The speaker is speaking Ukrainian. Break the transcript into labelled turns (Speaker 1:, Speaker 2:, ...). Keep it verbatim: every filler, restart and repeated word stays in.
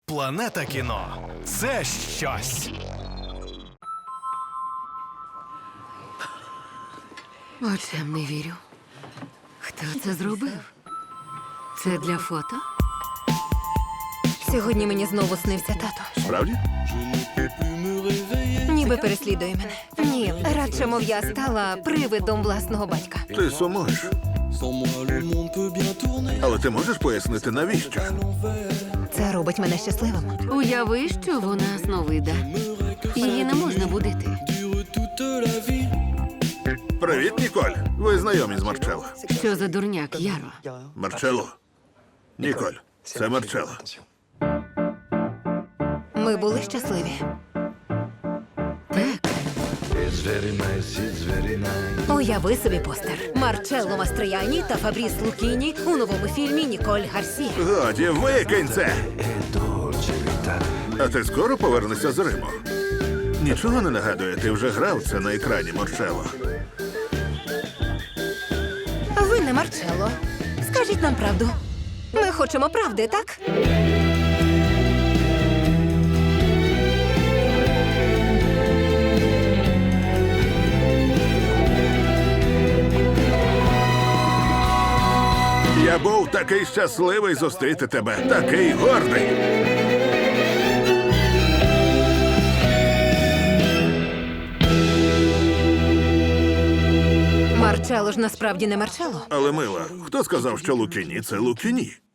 Speaker 1: Планета кіно – це щось.
Speaker 2: Очам не вірю. Хто це зробив? Це для фото?
Speaker 3: Сьогодні мені знову снився тато.
Speaker 4: Справді?
Speaker 3: Ніби переслідує мене. Ні, радше, мов я стала привидом власного батька.
Speaker 4: Ти сумуєш. Але ти можеш пояснити, навіщо?
Speaker 3: Це робить мене щасливим.
Speaker 2: Уяви, що вона сновида. Її не можна будити.
Speaker 4: Привіт, Ніколь. Ви знайомі з Марчелло.
Speaker 2: Що за дурняк, Яро?
Speaker 4: Марчелло. Ніколь, це Марчелло.
Speaker 3: Ми були щасливі.
Speaker 2: Так.
Speaker 3: Уяви собі постер. Марчелло Мастрияні та Фабріс Лукіні у новому фільмі Ніколь Гарсія.
Speaker 4: Годі, викинь це! А ти скоро повернешся з Риму? Нічого не нагадує, ти вже грав це на екрані, Марчелло.
Speaker 3: Ви не Марчелло. Скажіть нам правду. Ми хочемо правди, так?
Speaker 4: Я був такий щасливий зустріти тебе, такий гордий.
Speaker 3: Марчелло ж насправді не Марчелло.
Speaker 4: Але, мила, хто сказав, що Лукіні – це Лукіні?